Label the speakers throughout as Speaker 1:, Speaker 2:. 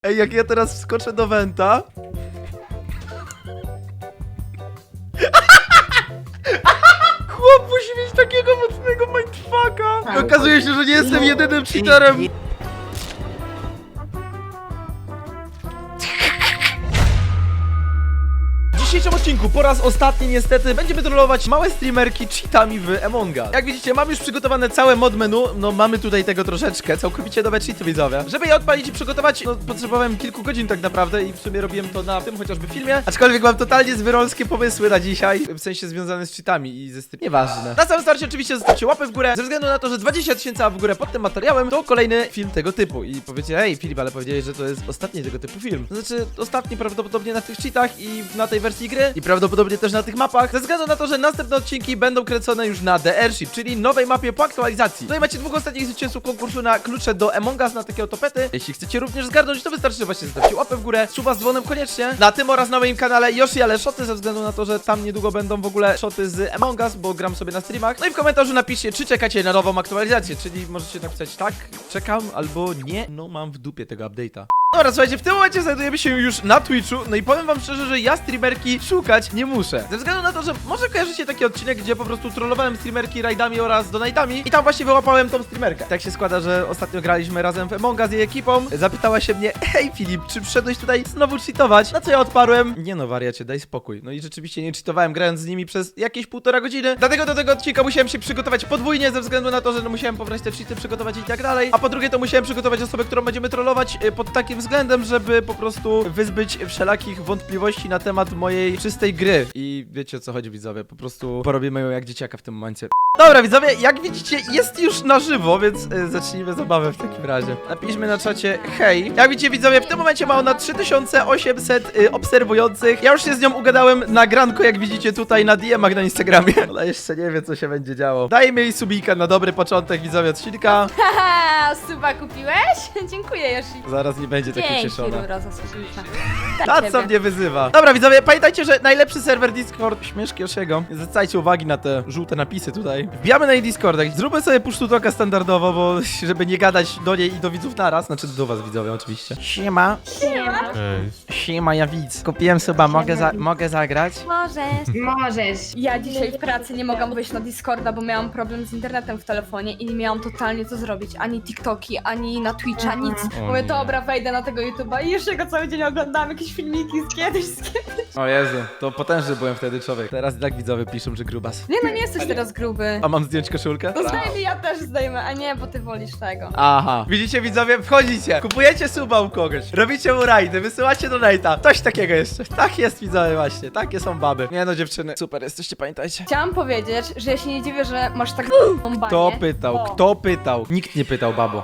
Speaker 1: Ej, jak ja teraz wskoczę do Wenta... Chłop musi mieć takiego mocnego mindfucka! I okazuje się, że nie jestem jedynym cheaterem! W dzisiejszym odcinku po raz ostatni niestety będziemy trollować małe streamerki cheatami w Among Us. Jak widzicie, mam już przygotowane całe mod menu, no mamy tutaj tego troszeczkę, całkowicie nowe cheaty widzowie. Żeby je odpalić i przygotować, no potrzebowałem kilku godzin tak naprawdę i w sumie robiłem to na tym chociażby filmie. Aczkolwiek mam totalnie zwyrolskie pomysły na dzisiaj, w sensie związane z cheatami i ze stream. Nieważne. Na samym starcie oczywiście zostawcie łapę w górę, ze względu na to, że 20 000 w górę pod tym materiałem to kolejny film tego typu. I powiecie, hej Filip, ale powiedziałeś, że to jest ostatni tego typu film. To znaczy ostatni prawdopodobnie na tych cheatach i na tej wersji gry i prawdopodobnie też na tych mapach, ze względu na to, że następne odcinki będą kręcone już na The Airship, czyli nowej mapie po aktualizacji. Tutaj macie dwóch ostatnich zwycięzców konkursu na klucze do Among Us, na takie oto pety. Jeśli chcecie również zgarnąć, to wystarczy, że właśnie zostawcie łapę w górę, suba z dzwonem koniecznie. Na tym oraz na moim kanale Yoshi ale shoty, ze względu na to, że tam niedługo będą w ogóle shoty z Among Us, bo gram sobie na streamach. No i w komentarzu napiszcie, czy czekacie na nową aktualizację, czyli możecie napisać tak, czekam, albo nie, no mam w dupie tego update'a. Dobra, słuchajcie, w tym momencie znajdujemy się już na Twitchu, no i powiem wam szczerze, że ja streamerki szukać nie muszę. Ze względu na to, że może kojarzycie taki odcinek, gdzie po prostu trollowałem streamerki rajdami oraz donate'ami i tam właśnie wyłapałem tą streamerkę. Tak się składa, że ostatnio graliśmy razem w Among Us z jej ekipą. Zapytała się mnie, hej Filip, czy przyszedłeś tutaj znowu cheatować? Na co ja odparłem, nie no wariacie, daj spokój. No i rzeczywiście nie cheatowałem, grając z nimi przez jakieś 1,5 godziny. Dlatego do tego odcinka musiałem się przygotować podwójnie, ze względu na to, że no musiałem pobrać te cheaty, przygotować i tak dalej. A po drugie to musiałem przygotować osobę, którą będziemy trollować pod takim względem, żeby po prostu wyzbyć wszelakich wątpliwości na temat mojej czystej gry. I wiecie o co chodzi widzowie, po prostu porobimy ją jak dzieciaka w tym momencie. Dobra widzowie, jak widzicie jest już na żywo, więc zacznijmy zabawę w takim razie. Napiszmy na czacie hej. Jak widzicie widzowie, w tym momencie ma ona 3800 obserwujących. Ja już się z nią ugadałem na granko, jak widzicie tutaj na DM-ach na Instagramie. Ona jeszcze nie wie co się będzie działo. Dajmy jej subika na dobry początek widzowie odcinka.
Speaker 2: Haha, suba kupiłeś? Dziękuję Yoshi.
Speaker 1: Zaraz nie będzie tak ucieszona.
Speaker 2: Dzięki Rura za subika.
Speaker 1: Ta co mnie wyzywa. Dobra widzowie, pamiętajcie, że najlepszy serwer Discord śmieszki Yoshiego. Zwracajcie uwagi na te żółte napisy tutaj. Wbijamy na jej Discorda. Zróbmy sobie push to talka standardowo, bo żeby nie gadać do niej i do widzów naraz. Znaczy do was widzowie oczywiście. Siema.
Speaker 2: Siema.
Speaker 1: Siema, ja widz. Kupiłem suba, mogę zagrać?
Speaker 2: Możesz. Ja dzisiaj w pracy nie mogłam wejść na Discorda, bo miałam problem z internetem w telefonie i nie miałam totalnie co zrobić. Ani TikToki, ani na Twitcha, nic. Mówię, dobra, wejdę na tego YouTube'a i jeszcze go cały dzień oglądam, jakieś filmiki z kiedyś.
Speaker 1: O Jezu, to potężny byłem wtedy człowiek. Teraz i tak widzowie piszą, że grubas.
Speaker 2: Nie no, nie jesteś teraz gruby.
Speaker 1: A mam zdjąć koszulkę?
Speaker 2: To zdejmij, ja też zdejmę, a nie, bo ty wolisz tego.
Speaker 1: Aha. Widzicie widzowie, wchodzicie, kupujecie suba u kogoś, robicie mu rajdy, wysyłacie donate'a. Coś takiego jeszcze. Tak jest widzowie właśnie, takie są baby. Nie no dziewczyny, super jesteście, pamiętajcie.
Speaker 2: Chciałam powiedzieć, że ja się nie dziwię, że masz tak banie.
Speaker 1: Kto pytał?
Speaker 2: Bo
Speaker 1: Kto pytał? Nikt nie pytał, babo.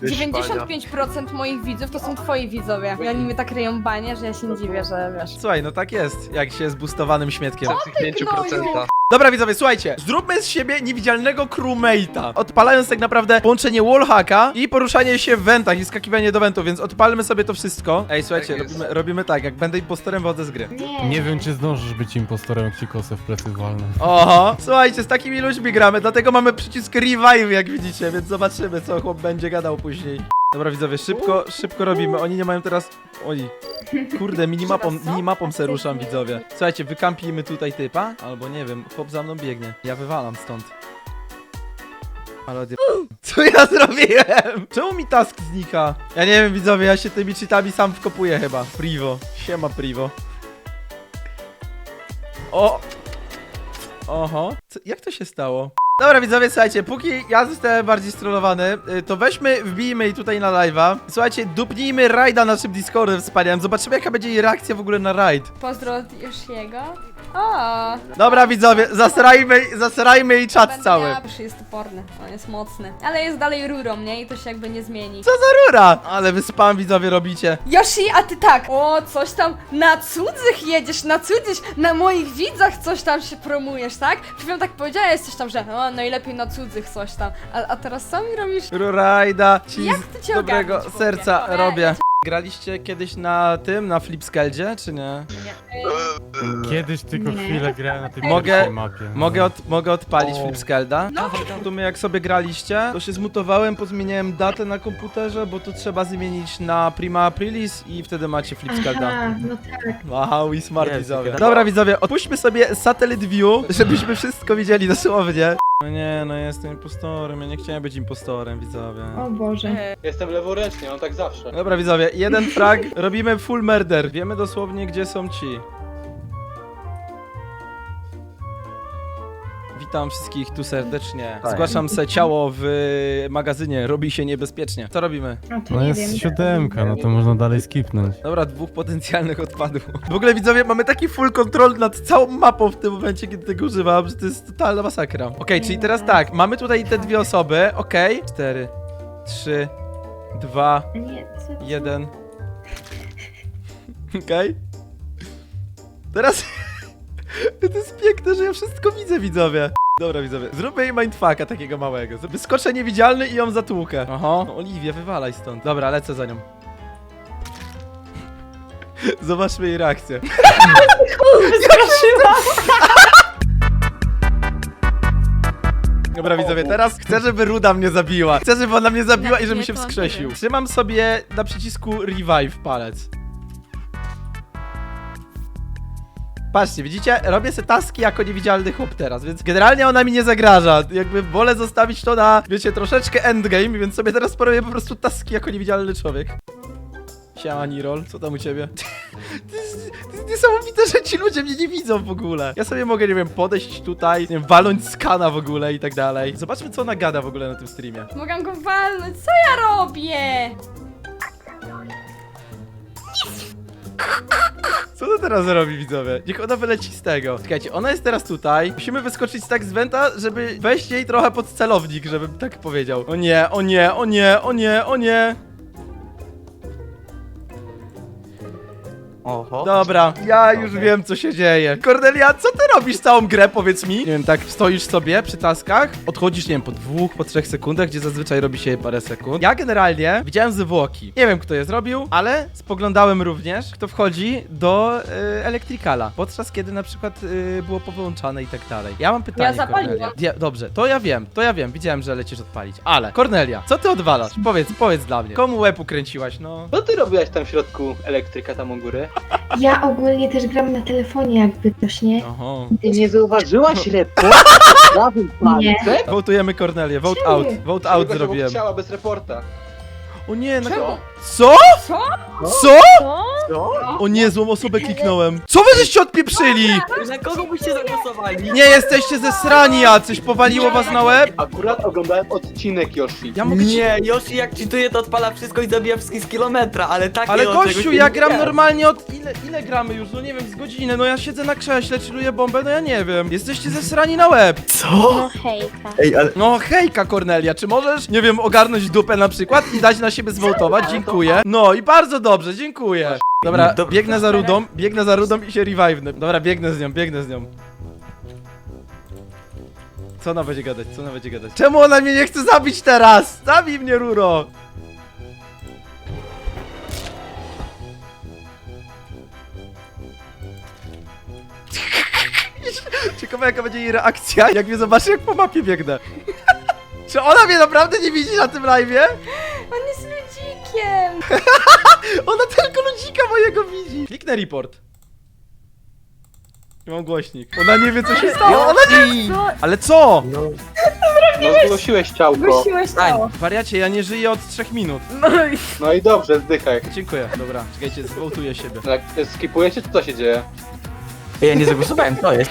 Speaker 2: 95% moich widzów to są twoi widzowie. I oni mnie tak ryją banie, że ja się nie dziwię, że wiesz.
Speaker 1: Słuchaj, no tak jest, jak się jest boostowanym śmietkiem.
Speaker 2: Ty, gnoju!
Speaker 1: Dobra widzowie, słuchajcie, zróbmy z siebie niewidzialnego crewmate'a, odpalając tak naprawdę połączenie wallhacka i poruszanie się w wentach i skakiwanie do wentów, więc odpalmy sobie to wszystko. Ej, słuchajcie,
Speaker 3: Tak jest.
Speaker 1: robimy tak, jak będę impostorem, wychodzę z gry.
Speaker 4: Nie wiem, czy zdążysz być impostorem, jak ci kosę w plecy walnę.
Speaker 1: Oho, słuchajcie, z takimi ludźmi gramy, dlatego mamy przycisk revive, jak widzicie, więc zobaczymy, co chłop będzie gadał później. Dobra widzowie, szybko robimy, oni nie mają teraz... Oj, kurde, minimapą se ruszam widzowie. Słuchajcie, wykampimy tutaj typa, albo nie wiem, chłop za mną biegnie. Ja wywalam stąd. Ale co ja zrobiłem? Czemu mi task znika? Ja nie wiem widzowie, ja się tymi cheatami sam wkopuję chyba. Privo, siema Privo. O! Oho, jak to się stało? Dobra widzowie, słuchajcie, póki ja zostałem bardziej strollowany, to wbijmy jej tutaj na live'a. Słuchajcie, dupnijmy rajda naszym Discordem wspaniałym. Zobaczymy jaka będzie jej reakcja w ogóle na rajd.
Speaker 2: Pozdro od Yoshiego. O,
Speaker 1: Dobra widzowie, zasrajmy jej czat
Speaker 2: będę
Speaker 1: cały.
Speaker 2: miała, jest toporny, on jest mocny. Ale jest dalej rurą, nie? I to się jakby nie zmieni.
Speaker 1: Co za rura? Ale wy spam widzowie robicie.
Speaker 2: Yoshi, a ty tak! O, coś tam na cudzych jedziesz, na moich widzach coś tam się promujesz, tak? Przed tak powiedziałeś coś tam, że o, najlepiej na cudzych coś tam. A teraz co mi robisz?
Speaker 1: Rurajda ci
Speaker 2: Jak
Speaker 1: z
Speaker 2: ty cię
Speaker 1: dobrego
Speaker 2: ogarnić, chłopie?
Speaker 1: serca
Speaker 2: Ej,
Speaker 1: robię. Graliście kiedyś na tym, na Flipskeldzie, czy nie?
Speaker 4: Kiedyś tylko
Speaker 2: Nie.
Speaker 4: chwilę grałem na tej
Speaker 1: Mogę-
Speaker 4: pierwszej mapie. No.
Speaker 1: Mogę odpalić
Speaker 4: O.
Speaker 1: Flipskelda?
Speaker 2: No.
Speaker 1: Tu my jak sobie graliście, to się zmutowałem, pozmieniałem datę na komputerze, bo tu trzeba zmienić na Prima Aprilis i wtedy macie Flipskelda.
Speaker 3: Aha, no tak.
Speaker 1: Wow, i smart
Speaker 5: Jest,
Speaker 1: widzowie.
Speaker 5: tak.
Speaker 1: Dobra widzowie, odpuśćmy sobie Satellite View, żebyśmy wszystko widzieli dosłownie. No nie, no ja jestem impostorem, ja nie chciałem być impostorem, widzowie.
Speaker 3: O Boże.
Speaker 5: Jestem leworęczny, on tak zawsze.
Speaker 1: Dobra widzowie, jeden frag, robimy full murder. Wiemy dosłownie gdzie są ci. Witam wszystkich tu serdecznie. Zgłaszam se ciało w magazynie, robi się niebezpiecznie. Co robimy?
Speaker 3: A to
Speaker 4: No
Speaker 3: nie
Speaker 4: jest
Speaker 3: wiem.
Speaker 4: 7, no to można dalej skipnąć.
Speaker 1: Dobra, 2 potencjalnych odpadów. W ogóle widzowie, mamy taki full control nad całą mapą w tym momencie, kiedy tego używam, że to jest totalna masakra. Okej, czyli teraz tak, mamy tutaj te dwie osoby, okej. 4, 3, 2,
Speaker 3: Nie, co?
Speaker 1: 1. Okej. Teraz... To jest piękne, że ja wszystko widzę, widzowie. Dobra, widzowie, zróbmy jej mindfucka takiego małego. Wyskoczę niewidzialny i ją zatłukę. Aha. No, Oliwia, wywalaj stąd. Dobra, lecę za nią. Zobaczmy jej reakcję. Dobra, widzowie, teraz chcę, żeby Ruda mnie zabiła. Chcę, żeby ona mnie zabiła i żebym
Speaker 2: Nie,
Speaker 1: się
Speaker 2: to nie
Speaker 1: wskrzesił.
Speaker 2: wiem.
Speaker 1: Trzymam sobie na przycisku revive palec. Patrzcie, widzicie? Robię se taski jako niewidzialny chłop teraz, więc generalnie ona mi nie zagraża. Jakby wolę zostawić to na, wiecie, troszeczkę endgame, więc sobie teraz porobię po prostu taski jako niewidzialny człowiek. Siema, Nirol, co tam u ciebie? To jest niesamowite, że ci ludzie mnie nie widzą w ogóle. Ja sobie mogę, nie wiem, podejść tutaj, nie wiem, walnąć skana w ogóle i tak dalej. Zobaczmy, co ona gada w ogóle na tym streamie.
Speaker 2: Mogę go walnąć, co ja robię?
Speaker 1: Co ona teraz robi, widzowie? Niech ona wyleci z tego. Czekajcie, ona jest teraz tutaj. Musimy wyskoczyć tak z wenta, żeby wejść jej trochę pod celownik, żebym tak powiedział. O nie, o nie, o nie, o nie, o nie.
Speaker 5: Oho.
Speaker 1: Dobra, ja już wiem, co się dzieje. Kornelia, co ty robisz całą grę, powiedz mi? Nie wiem, tak stoisz sobie przy taskach, odchodzisz, nie wiem, po 2, po 3 sekundach, gdzie zazwyczaj robi się je parę sekund. Ja generalnie widziałem zwłoki. Nie wiem, kto je zrobił, ale spoglądałem również, kto wchodzi do Electricala, podczas kiedy na przykład było powyłączane i tak dalej. Ja mam pytanie,
Speaker 2: Ja zapaliłam.
Speaker 1: Kornelia. Dobrze, to ja wiem, widziałem, że lecisz odpalić, ale Kornelia, co ty odwalasz? Powiedz dla mnie. Komu łeb ukręciłaś, no?
Speaker 5: Co ty robiłaś tam w środku elektryka tam u góry?
Speaker 3: Ja ogólnie też gram na telefonie, jakby coś nie.
Speaker 1: Oho.
Speaker 5: Ty nie zauważyłaś reporta? Prawym
Speaker 3: Nie.
Speaker 5: palcem?
Speaker 1: Wołtujemy Kornelię, vote
Speaker 3: Czemu?
Speaker 1: out, vote out zrobiłem.
Speaker 5: Chciała bez reporta.
Speaker 1: O nie, na
Speaker 2: Czemu?
Speaker 1: Co?
Speaker 2: Co?
Speaker 1: Co?
Speaker 5: Co?
Speaker 1: O nie, złą osobę kliknąłem. Co wy żeście odpieprzyli?
Speaker 6: Na kogo byście zagłosowali?
Speaker 1: Nie jesteście zesrani jacyś, powaliło was na łeb?
Speaker 5: Akurat oglądałem odcinek Yoshi.
Speaker 1: Ja mogę ci...
Speaker 6: Nie, Yoshi jak cheatuje to odpala wszystko i zabija wszystkich z kilometra, ale takie
Speaker 1: Ale
Speaker 6: od
Speaker 1: gościu,
Speaker 6: czegoś
Speaker 1: ja
Speaker 6: nie
Speaker 1: gram
Speaker 6: wiem.
Speaker 1: normalnie od... Ile gramy już? No nie wiem, z godzinę. No ja siedzę na krześle, chilluję bombę, no ja nie wiem. Jesteście zesrani na łeb.
Speaker 6: Co?
Speaker 3: Hejka.
Speaker 6: Ej, ale...
Speaker 1: No hejka, Kornelia, czy możesz, nie wiem, ogarnąć dupę na przykład i dać na siebie zwołtować? Dziękuję. No i bardzo dobrze, dziękuję. Dobra,
Speaker 6: Dobrze.
Speaker 1: biegnę za rudą i się revive'nę. Dobra, biegnę z nią. Co ona będzie gadać, Czemu ona mnie nie chce zabić teraz? Zabij mnie, Ruro! Ciekawe jaka będzie jej reakcja, jak mnie zobaczy, jak po mapie biegnę. Czy ona mnie naprawdę nie widzi na tym live'ie?
Speaker 2: On jest ludzikiem.
Speaker 1: Ona tylko ludzika mojego widzi. Kliknę report. I mam głośnik. Ona nie wie, co się stało. Ona nie...
Speaker 2: Co?
Speaker 1: Ale co?
Speaker 5: No zgłosiłeś ciałko.
Speaker 2: Wróciłeś to.
Speaker 1: Wariacie, ja nie żyję od 3 minut.
Speaker 5: No i dobrze, zdychaj.
Speaker 1: Dziękuję, dobra. Czekajcie, zwołtuję siebie.
Speaker 5: Jak skipujecie, to co się dzieje?
Speaker 6: Ja nie zagłosowałem, to jest.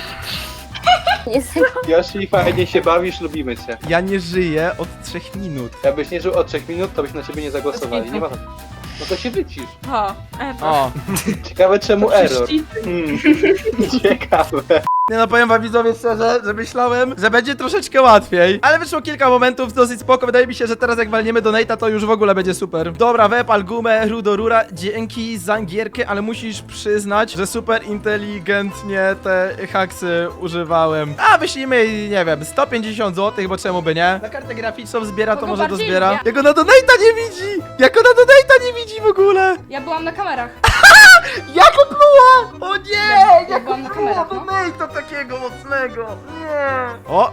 Speaker 5: Yoshi, fajnie się bawisz, lubimy cię.
Speaker 1: Ja nie żyję od 3 minut.
Speaker 5: Jakbyś nie żył od 3 minut, to byśmy na ciebie nie zagłosowali. Nie ma... No to się wycisz.
Speaker 2: O,
Speaker 1: O,
Speaker 5: Ciekawe czemu error. Ciekawe.
Speaker 1: Nie no, powiem wam widzowie szczerze, że myślałem, że będzie troszeczkę łatwiej. Ale wyszło kilka momentów dosyć spoko. Wydaje mi się, że teraz jak walniemy do Nate'a, to już w ogóle będzie super. Dobra, wepal gumę, rudorura. Dzięki za gierkę, ale musisz przyznać, że super inteligentnie te haksy używałem. A wyślijmy, nie wiem, 150 zł, bo czemu by nie? Na kartę graficzną zbiera, to
Speaker 2: Kogo
Speaker 1: może to
Speaker 2: bardziej
Speaker 1: zbiera.
Speaker 2: lubię?
Speaker 1: Jak ona do Nate'a nie widzi! Jak ona do Nate'a nie widzi w ogóle!
Speaker 2: Ja byłam na kamerach.
Speaker 1: Jak opluła! O nie!
Speaker 2: Ja byłam na kamerach, no.
Speaker 1: Nate'a takiego mocnego! Nie! O!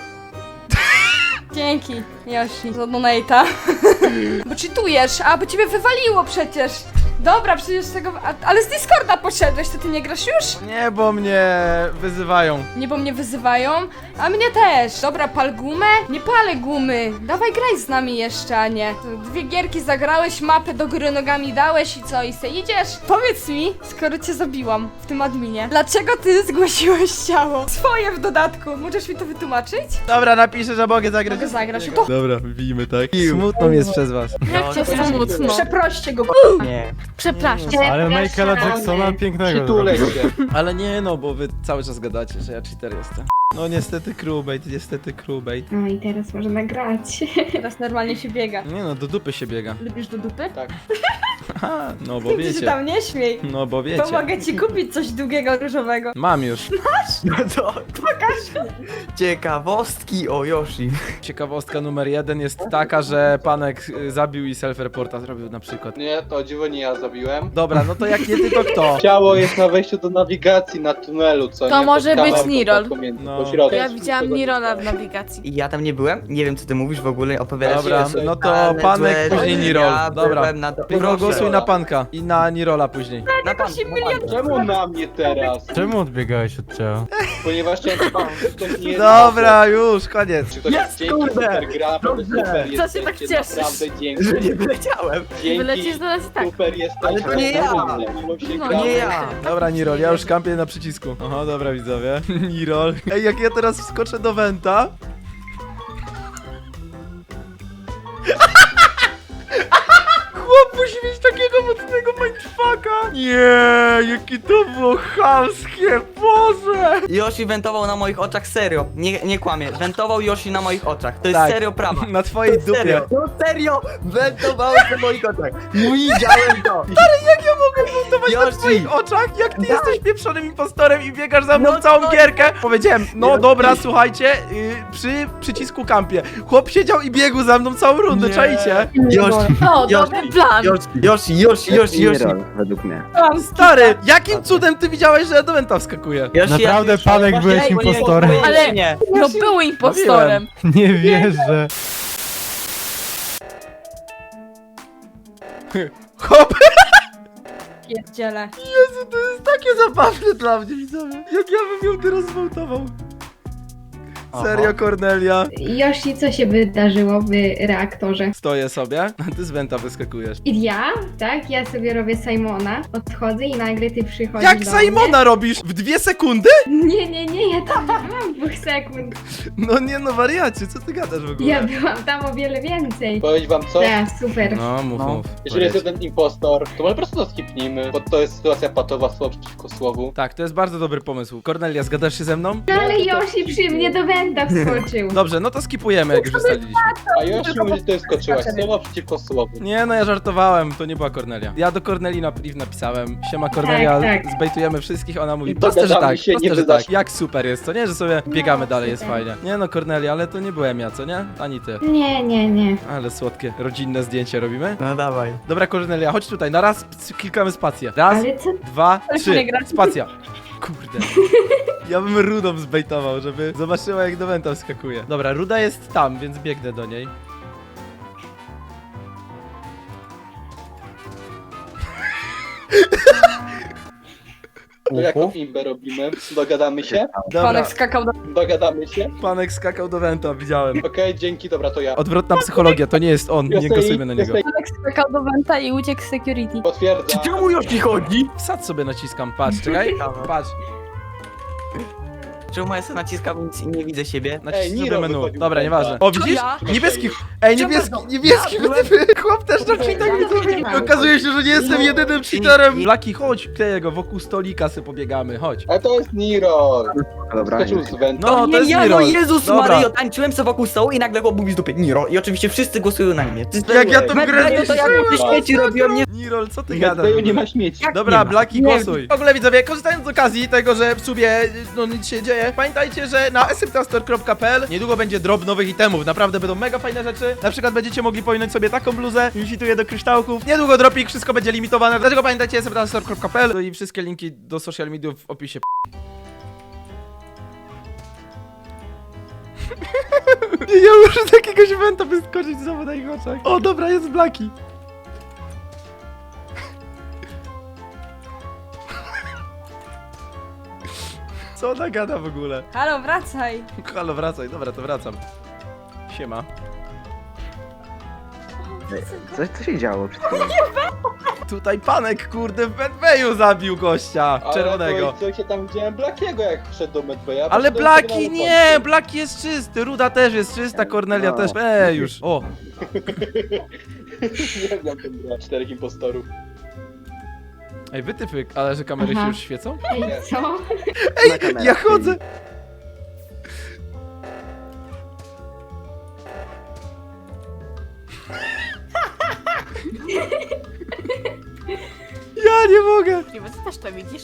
Speaker 2: Dzięki, Yoshi, za donate'a. Bo cheatujesz, a bo ciebie wywaliło przecież. Dobra, przecież tego... ale z Discorda poszedłeś, to ty nie grasz już?
Speaker 1: Nie, bo mnie wyzywają.
Speaker 2: Nie, bo mnie wyzywają, a mnie też. Dobra, pal gumę? Nie palę gumy. Dawaj, graj z nami jeszcze, a nie. To 2 gierki zagrałeś, mapę do góry nogami dałeś i co, i se idziesz? Powiedz mi, skoro cię zabiłam w tym adminie, dlaczego ty zgłosiłeś ciało? Swoje w dodatku. Możesz mi to wytłumaczyć?
Speaker 1: Dobra, napiszę, że mogę zagrać.
Speaker 2: Mogę zagrać. To
Speaker 1: Dobra, wbijmy, tak? Smutno mi jest przez was.
Speaker 2: jak cię smutno. Przeproście go,
Speaker 6: Nie.
Speaker 2: Przepraszam.
Speaker 4: Ale Michaela Jacksona pięknego
Speaker 5: Przytulę
Speaker 4: zrobił.
Speaker 5: się.
Speaker 1: Ale nie no, bo wy cały czas gadacie, że ja cheater jestem. No niestety crewbait, niestety crewbait.
Speaker 3: No i teraz można grać.
Speaker 2: Teraz normalnie się biega.
Speaker 1: Nie no, do dupy się biega.
Speaker 2: Lubisz do dupy?
Speaker 5: Tak.
Speaker 1: Aha, no bo
Speaker 2: Ty się
Speaker 1: wiecie.
Speaker 2: tam nie śmiej.
Speaker 1: No bo wiecie.
Speaker 2: Pomogę ci kupić coś długiego, różowego.
Speaker 1: Mam już.
Speaker 6: No to pokaż. Ciekawostki o Yoshi.
Speaker 1: Ciekawostka numer 1 jest taka, że panek zabił i self-reporta zrobił na przykład.
Speaker 5: Nie, to o dziwo nie ja zabiłem.
Speaker 1: Dobra, no to jak nie ty, to kto?
Speaker 5: Ciało jest na wejściu do nawigacji na tunelu, co
Speaker 7: To
Speaker 5: nie?
Speaker 7: może
Speaker 5: Pod
Speaker 7: być
Speaker 5: kamerką
Speaker 7: Nirol.
Speaker 5: pomiędzy,
Speaker 1: No.
Speaker 5: po środku.
Speaker 7: Ja widziałam Nirola w nawigacji.
Speaker 6: I ja tam nie byłem, nie wiem co ty mówisz w ogóle, opowiadasz
Speaker 1: Dobra,
Speaker 6: się.
Speaker 1: no to
Speaker 6: Ale
Speaker 1: panek,
Speaker 6: złe,
Speaker 1: później
Speaker 6: że
Speaker 1: Nirol.
Speaker 6: ja
Speaker 1: Dobra.
Speaker 6: byłem na to.
Speaker 1: Tylko głosuj na panka i na Nirola później.
Speaker 6: Na pan,
Speaker 2: 8
Speaker 6: na pan.
Speaker 2: milionów.
Speaker 5: Czemu na mnie teraz?
Speaker 4: Czemu odbiegałeś od ciała?
Speaker 5: Ponieważ chciałem zobaczyć, czy ktoś nie jest
Speaker 1: Dobra, już, koniec.
Speaker 5: Czy ktoś
Speaker 6: Jest,
Speaker 5: dzięki
Speaker 6: kurde!
Speaker 5: super gra, naprawdę
Speaker 6: Dobrze.
Speaker 5: super
Speaker 7: Co się tak
Speaker 5: jesteście,
Speaker 7: cieszysz?
Speaker 5: naprawdę dzięki.
Speaker 6: Że nie wyleciałem.
Speaker 5: Dzięki,
Speaker 7: Wylecisz do nas i tak.
Speaker 5: super jesteście.
Speaker 6: Ale to nie ja.
Speaker 5: Mimo się
Speaker 7: No,
Speaker 5: gra.
Speaker 6: Nie ja.
Speaker 1: Dobra, Nirol, ja już kampię na przycisku. Aha, dobra widzowie. Nirol. Ej, jak ja teraz wskoczę do Venta. Chłop musi mieć takiego mocnego mindfucka. Nie, jakie to było chamskie, Boże.
Speaker 6: Yoshi wentował na moich oczach, serio. Nie kłamie. Wentował Yoshi na moich oczach. To jest
Speaker 1: Tak.
Speaker 6: serio prawa.
Speaker 1: Na twojej dupie.
Speaker 6: Serio, no serio, wentował na moich oczach. Widziałem to.
Speaker 1: Jak ja mogę buntować na
Speaker 6: Yoshi.
Speaker 1: twoich oczach? Jak ty jesteś pieprzonym impostorem i biegasz za mną
Speaker 6: No
Speaker 1: całą
Speaker 6: to-
Speaker 1: gierkę? Powiedziałem, no
Speaker 6: Yoshi.
Speaker 1: dobra, słuchajcie, przy przycisku kampie. Chłop siedział i biegł za mną całą rundę,
Speaker 4: Nie.
Speaker 1: czajcie?
Speaker 6: Yoshi,
Speaker 7: O, dobry plan.
Speaker 6: Yoshi.
Speaker 8: według mnie.
Speaker 1: Stary, jakim cudem ty widziałeś, że ja do Venta wskakuję?
Speaker 6: Yoshi,
Speaker 4: Naprawdę,
Speaker 6: ja-
Speaker 4: Panek, byłeś
Speaker 6: Ej, bo nie-
Speaker 4: impostorem.
Speaker 7: Ale-
Speaker 6: Nie.
Speaker 7: No był impostorem.
Speaker 4: Nie wierzę.
Speaker 1: Chłop,
Speaker 2: Pierdziele.
Speaker 1: Jezu, to jest takie zabawne dla mnie, widzowie. Jak ja bym ją teraz zwołtował. Serio, Kornelia?
Speaker 3: Yoshi, co się wydarzyło w reaktorze?
Speaker 1: Stoję sobie, a ty z Venta wyskakujesz.
Speaker 3: I ja, tak? Ja sobie robię Simona, odchodzę i nagle ty przychodzisz
Speaker 1: Jak
Speaker 3: do
Speaker 1: Simona robisz? W 2 sekundy?
Speaker 3: mnie. Nie, ja tam nie byłam 2 sekund.
Speaker 1: No nie no, wariacie, co ty gadasz w ogóle?
Speaker 3: Ja byłam tam o wiele więcej.
Speaker 5: Powiedzieć wam co?
Speaker 3: Tak, super.
Speaker 1: No, mów,
Speaker 6: No.
Speaker 1: mów.
Speaker 5: Jeżeli jest
Speaker 1: Powiedz.
Speaker 5: jeden impostor, to może po prostu to skipnijmy, bo to jest sytuacja patowa, słowo przeciwko słowu.
Speaker 1: Tak, to jest bardzo dobry pomysł. Kornelia, zgadasz się ze mną?
Speaker 3: No ale Yoshi przy mnie do Wenta wskoczył.
Speaker 1: Dobrze, no to skipujemy, jak już ustaliliśmy.
Speaker 5: A Yoshi mówi, że to jest skoczyłaś, słowo przeciwko słowu.
Speaker 1: Nie no, ja żartowałem, to nie była Kornelia. Ja do Korneli na priv napisałem. Siema Kornelia,
Speaker 3: Tak.
Speaker 1: zbejtujemy wszystkich, ona mówi
Speaker 5: I
Speaker 1: proste, że
Speaker 5: dogadamy
Speaker 1: tak,
Speaker 5: się,
Speaker 1: proste,
Speaker 5: nie
Speaker 1: że
Speaker 5: wydasz.
Speaker 1: tak. Jak super jest, co nie? Że sobie biegamy dalej, jest
Speaker 3: super.
Speaker 1: fajnie. Nie no, Kornelia, ale to nie byłem ja, co nie? Ani ty.
Speaker 3: Nie.
Speaker 1: Ale słodkie, rodzinne zdjęcie robimy.
Speaker 6: No dawaj.
Speaker 1: Dobra Kornelia, chodź tutaj, na raz klikamy spację. Raz,
Speaker 3: Ale co?
Speaker 1: 2,
Speaker 2: Ale
Speaker 1: 3,
Speaker 2: nie gra.
Speaker 1: spacja. Kurde. Ja bym Rudą zbejtował, żeby zobaczyła jak do Venta wskakuje. Dobra, Ruda jest tam, więc biegnę do niej.
Speaker 5: To jaką imbę robimy? Dogadamy się?
Speaker 1: Dobra,
Speaker 2: Panek skakał do...
Speaker 5: Dogadamy się?
Speaker 1: panek skakał do Venta, widziałem.
Speaker 5: Okej, dzięki, dobra, to ja.
Speaker 1: Odwrotna psychologia, to nie jest on, nie głosujmy na niego.
Speaker 2: Panek skakał do Venta i uciekł z security.
Speaker 5: Potwierdzam.
Speaker 6: Czemu Yoshi chodzi?
Speaker 1: Wsad sobie naciskam, patrz, czekaj, patrz.
Speaker 6: Czemu ja sobie naciskam i nie widzę siebie?
Speaker 1: Naciśnij
Speaker 5: Ej,
Speaker 1: sobie
Speaker 5: Niro
Speaker 1: menu.
Speaker 5: wychodził
Speaker 1: Dobra,
Speaker 5: z
Speaker 1: nieważne.
Speaker 5: błęda.
Speaker 1: O, widzisz?
Speaker 7: ja?
Speaker 1: Niebieski. Ej,
Speaker 7: Czemu
Speaker 1: niebieski, chłop też na cheatach widzowie. I okazuje się, że nie jestem jedynym cheaterem. Blaki, chodź, kleję go wokół stolika sobie pobiegamy, chodź.
Speaker 5: Ale to jest Niro.
Speaker 8: Dobra,
Speaker 5: Skoczył z węta.
Speaker 1: No, to jest
Speaker 6: ja,
Speaker 1: Niro.
Speaker 6: no Jezus
Speaker 1: Dobra.
Speaker 6: Mario, tańczyłem sobie wokół stołu i nagle chłop mówi z dupy Niro i oczywiście wszyscy głosują na mnie.
Speaker 1: Jak ja tą grę
Speaker 6: Medbayu to jak
Speaker 1: zniszczyłem.
Speaker 6: te śmieci robią, nie...
Speaker 1: Nirol, co ty
Speaker 5: W
Speaker 1: gadasz?
Speaker 5: Medbayu nie ma śmieci.
Speaker 6: Jak
Speaker 1: Dobra,
Speaker 6: nie ma?
Speaker 1: Blaki,
Speaker 6: Nie.
Speaker 1: głosuj. W ogóle widzowie, korzystając z okazji tego, że w sumie no nic się dzieje, pamiętajcie, że na smtastore.pl niedługo będzie drop nowych itemów. Naprawdę będą mega fajne rzeczy. Na przykład będziecie mogli powinąć sobie taką bluzę, już cituję do kryształków. Niedługo dropik, wszystko będzie limitowane. Dlatego pamiętajcie smtastore.pl no i wszystkie linki do social mediów w opisie. Ja muszę z jakiegoś eventa wyskoczyć znowu na ich oczach. O, dobra, jest Blaki. Co ona gada w ogóle?
Speaker 2: Halo, wracaj.
Speaker 1: Halo, wracaj, dobra, to wracam. Siema.
Speaker 8: Co się działo przed chwilą?
Speaker 1: Tutaj panek, kurde, w Medbayu zabił gościa czerwonego.
Speaker 5: Ale to, się tam widziałem Blackiego, jak wszedł do Medbaya.
Speaker 1: Ale
Speaker 5: Poszedłem sobie
Speaker 1: Blaki
Speaker 5: na
Speaker 1: nie,
Speaker 5: lokację.
Speaker 1: Blaki jest czysty, Ruda też jest czysta, Cornelia
Speaker 8: No.
Speaker 1: też. Już. O,
Speaker 5: Nie znam tę grę. 4 impostorów.
Speaker 1: ej, wytyfyk, ale że kamery się
Speaker 3: Aha.
Speaker 1: już świecą?
Speaker 3: Ej, co?
Speaker 8: Na kamerach
Speaker 1: Ja chodzę. Ja nie mogę.
Speaker 7: Ty też to widzisz?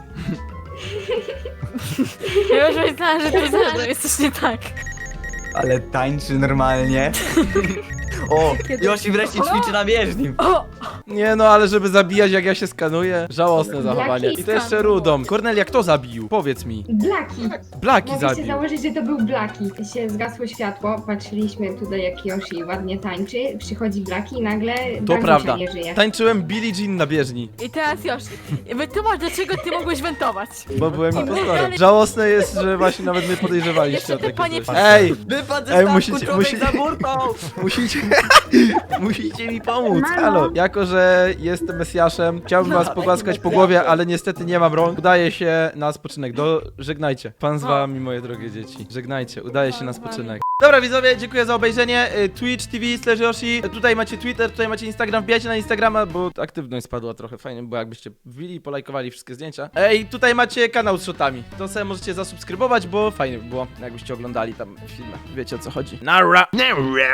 Speaker 7: Ja już myślałam, że tu zaraz jest coś nie tak.
Speaker 6: Ale tańczy normalnie. O, Yoshi wreszcie ćwiczy na bieżni.
Speaker 7: O!
Speaker 1: Nie no, ale żeby zabijać jak ja się skanuję. Żałosne zachowanie. I to jeszcze
Speaker 7: skan.
Speaker 1: Rudą. Cornelia, kto zabił? Powiedz mi.
Speaker 3: Blaki.
Speaker 1: Blaki
Speaker 3: Mogę się
Speaker 1: zabił.
Speaker 3: założyć, że to był Blaki. Się zgasło światło, patrzyliśmy tutaj jak Yoshi ładnie tańczy, przychodzi Blaki i nagle
Speaker 1: To
Speaker 3: Blaki
Speaker 1: prawda.
Speaker 3: nie żyje.
Speaker 1: Tańczyłem Billie Jean na bieżni,
Speaker 7: I teraz Yoshi, wytłumacz dlaczego ty mogłeś wentować.
Speaker 1: bo byłem impostorem. Żałosne jest, że właśnie nawet nie podejrzewaliście
Speaker 7: Jeszcze
Speaker 1: o takie
Speaker 7: panie
Speaker 1: coś.
Speaker 7: patrz.
Speaker 1: Ej!
Speaker 6: Wypadł ze
Speaker 1: Ej,
Speaker 6: statku,
Speaker 1: musicie-
Speaker 6: człowiek
Speaker 1: musi-
Speaker 6: za burtą.
Speaker 1: Musicie... Musicie mi pomóc, halo. Jako, że jestem Mesjaszem, chciałbym was pogłaskać po głowie, ale niestety nie mam rąk. Udaje się na spoczynek. Żegnajcie. Pan z wami, moje drogie dzieci. Żegnajcie, udaje się na spoczynek. Dobra widzowie, dziękuję za obejrzenie. Twitch TV/Yoshi. Tutaj macie Twitter, tutaj macie Instagram. Wbijajcie na Instagrama, bo aktywność spadła trochę. Fajnie było, jakbyście wbili i polajkowali wszystkie zdjęcia. Ej, tutaj macie kanał z shotami. To sobie możecie zasubskrybować, bo fajnie by było, jakbyście oglądali tam filmy. Wiecie o co chodzi. Nara!